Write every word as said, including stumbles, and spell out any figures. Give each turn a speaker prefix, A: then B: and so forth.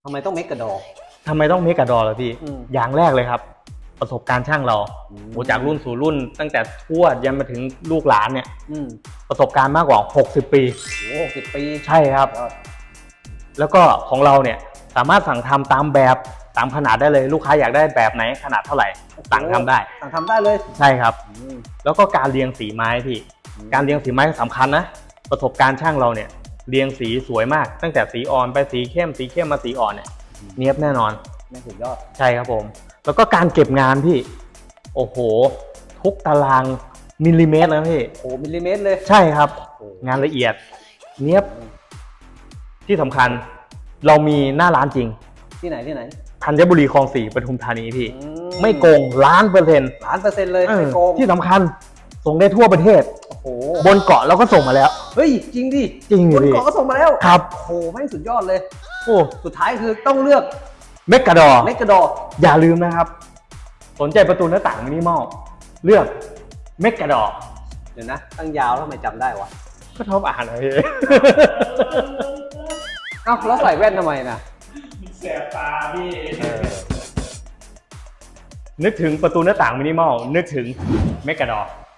A: ทำไมต้องเมกะดอ
B: ทำไมต้องเมกะดอล่ะพี่อย่างแรกเลยครับประสบการณ์ช่างเราโอ้จากรุ่นสู่รุ่นตั้งแต่ทวดยันมาถึงลูกหลานเนี่ยประสบการณ์มากกว่าหกสิบปี
A: โอ้หกสิบปี
B: ใช่ครับแล้วก็ของเราเนี่ยสามารถสั่งทำตามแบบตามขนาดได้เลยลูกค้าอยากได้แบบไหนขนาดเท่าไหร่สั่งทำได้
A: สั่งทำได้เลย
B: ใช่ครับแล้วก็การเรียงสีไม้พี่การเรียงสีไม้สำคัญนะประสบการณ์ช่างเราเนี่ยเรียงสีสวยมากตั้งแต่สีอ่อนไปสีเข้มสีเข้มมาสีอ่อนเนี่ยเนียบแน่นอน
A: แน่สุดยอด
B: ใช่ครับผมแล้วก็การเก็บงานพี่โอ้โหทุกตารางมิลลิเมตรนะพี่
A: โอ้มิลลิเมตรเลย
B: ใช่ครับงานละเอียดเนียบที่สำคัญเรามีหน้าร้านจริง
A: ที่ไหนที่ไหน
B: ธัญบุรีคลองสี่ปทุมธานีพี่ไม่โกงล้านเปอร์เซ็นต์
A: ล้านเปอร์เซ็นต์เลยไม่โกง
B: ที่สำคัญส่งได้ทั่วประเทศโอ้โหบนเกาะเราก็ส่งมาแล้ว
A: เฮ้ยจริงดิ
B: จริง
A: บนเกาะก็ส่งมาแล้ว
B: ครับ
A: โอ้โหไม่สุดยอดเลยโอ้สุดท้ายคือต้องเลือก
B: เมกะดอ
A: เมกะดอ
B: อย่าลืมนะครับสนใจประตูหน้าต่างมินิมอลเลือกเมกะดอ
A: เดี๋ยวนะตั้งยาวแล้วทำไมจำได้วะ
B: ก็ชอบอ่านนะพี่
A: เอ้าแล้วใส่แว่นทำไมนะ
C: แสบตาพี่
B: นึกถึงประตูหน้าต่างมินิมอลนึกถึงเมกะดอ